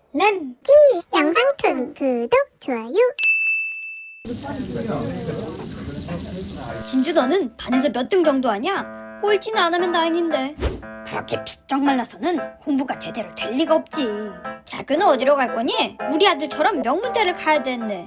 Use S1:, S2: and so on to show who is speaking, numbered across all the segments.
S1: 램지 영상툰 구독, 좋아요.
S2: 진주 너는 반에서 몇 등 정도 하냐? 꼴찌는 안 하면 다행인데. 그렇게 비쩍 말라서는 공부가 제대로 될 리가 없지. 대학교는 어디로 갈 거니? 우리 아들처럼 명문대를 가야 되는데.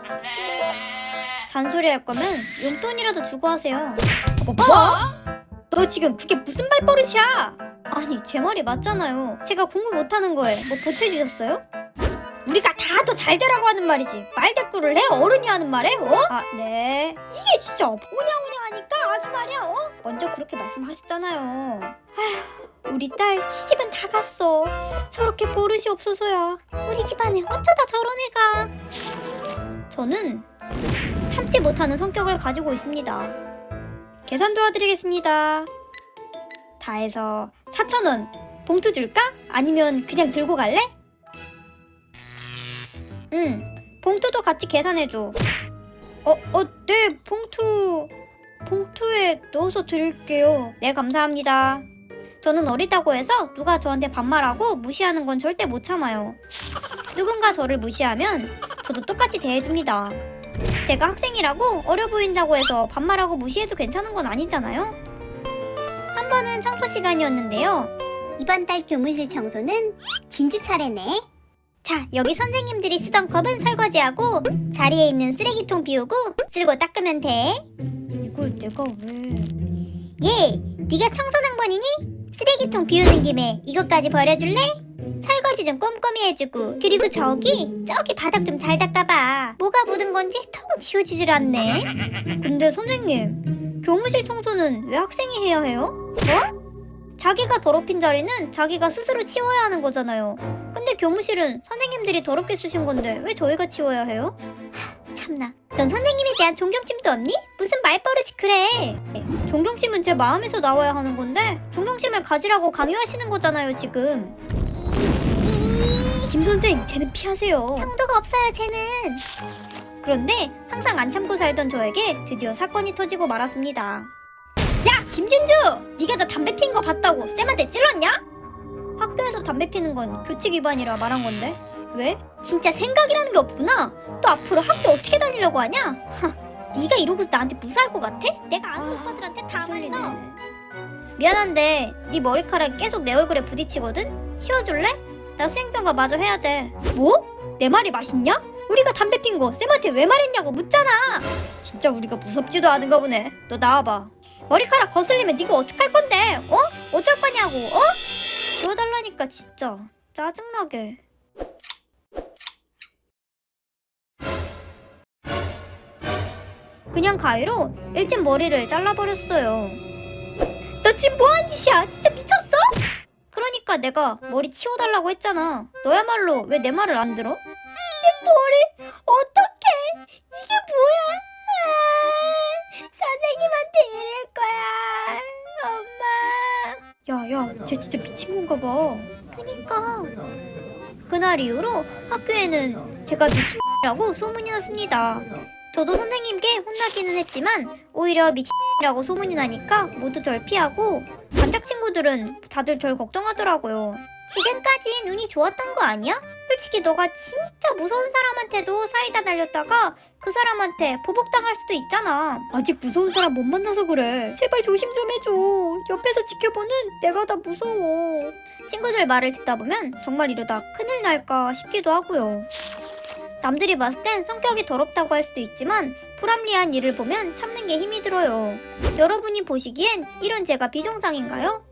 S2: 잔소리 할 거면 용돈이라도 주고 하세요. 뭐? 너 지금 그게 무슨 말버릇이야? 아니 제 말이 맞잖아요. 제가 공부 못하는 거에 뭐 보태주셨어요? 우리가 다 더 잘 되라고 하는 말이지 말대꾸를 해? 어른이 하는 말에? 아 네. 이게 진짜 오냐오냐하니까 아주 말이야. 먼저 그렇게 말씀하셨잖아요. 아휴 우리 딸 시집은 다 갔어. 저렇게 버릇이 없어서야. 우리 집안에 어쩌다 저런 애가. 저는 참지 못하는 성격을 가지고 있습니다. 계산 도와드리겠습니다. 다 해서 4,000원 봉투 줄까? 아니면 그냥 들고 갈래? 응, 봉투도 같이 계산해줘. 네, 봉투에 넣어서 드릴게요. 네, 감사합니다. 저는 어리다고 해서 누가 저한테 반말하고 무시하는 건 절대 못 참아요. 누군가 저를 무시하면 저도 똑같이 대해줍니다. 제가 학생이라고 어려 보인다고 해서 반말하고 무시해도 괜찮은 건 아니잖아요? 한 번은 청소 시간이었는데요.
S1: 이번 달 교무실 청소는 진주 차례네.
S2: 자, 여기 선생님들이 쓰던 컵은 설거지하고 자리에 있는 쓰레기통 비우고 쓸고 닦으면 돼. 이걸 내가 왜... 네가 청소당번이니? 쓰레기통 비우는 김에 이것까지 버려줄래? 설거지 좀 꼼꼼히 해주고 그리고 저기 바닥 좀 잘 닦아봐. 뭐가 묻은 건지 통 지워지질 않네. 근데 선생님, 교무실 청소는 왜 학생이 해야 해요? 자기가 더럽힌 자리는 자기가 스스로 치워야 하는 거잖아요. 근데 교무실은 선생님들이 더럽게 쓰신 건데 왜 저희가 치워야 해요? 참나, 넌 선생님에 대한 존경심도 없니? 무슨 말버릇이 그래. 존경심은 제 마음에서 나와야 하는 건데 존경심을 가지라고 강요하시는 거잖아요 지금. 김 선생, 쟤는 피하세요.
S1: 상도가 없어요 쟤는.
S2: 그런데 항상 안 참고 살던 저에게 드디어 사건이 터지고 말았습니다. 야! 김진주! 네가 나 담배 핀 거 봤다고 쌤한테 찔렀냐? 학교에서 담배 피는 건 규칙 위반이라 말한 건데 왜? 진짜 생각이라는 게 없구나. 또 앞으로 학교 어떻게 다니려고 하냐? 네가 이러고 나한테 무사할 것 같아? 내가 아는 오빠들한테 다 말해서. 미안한데 네 머리카락이 계속 내 얼굴에 부딪히거든? 치워줄래? 나 수행평가 마저 해야 돼. 뭐? 내 말이 맛있냐? 우리가 담배 핀 거 쌤한테 왜 말했냐고 묻잖아. 진짜 우리가 무섭지도 않은가 보네. 너 나와봐. 머리카락 거슬리면 네가 어떡할 건데? 어쩔 거냐고. 치워달라니까 진짜 짜증나게. 그냥 가위로 일진 머리를 잘라버렸어요. 너 지금 뭐하는 짓이야? 진짜 미쳤어? 그러니까 내가 머리 치워달라고 했잖아. 너야말로 왜 내 말을 안 들어? 내 머리 어떡해? 이게 뭐야? 선생님한테 이럴 거야. 엄마. 야, 쟤 진짜 미친 건가 봐. 그니까. 그날 이후로 학교에는 제가 미친이라고 소문이 났습니다. 저도 선생님께 혼나기는 했지만 오히려 미친이라고 소문이 나니까 모두 절 피하고 반짝 친구들은 다들 절 걱정하더라고요.
S1: 지금까진 운이 좋았던 거 아니야?
S2: 솔직히 너가 진짜 무서운 사람한테도 사이다 날렸다가 그 사람한테 보복당할 수도 있잖아. 아직 무서운 사람 못 만나서 그래. 제발 조심 좀 해줘. 옆에서 지켜보는 내가 다 무서워. 친구들 말을 듣다 보면 정말 이러다 큰일 날까 싶기도 하고요. 남들이 봤을 땐 성격이 더럽다고 할 수도 있지만 불합리한 일을 보면 참는 게 힘이 들어요. 여러분이 보시기엔 이런 제가 비정상인가요?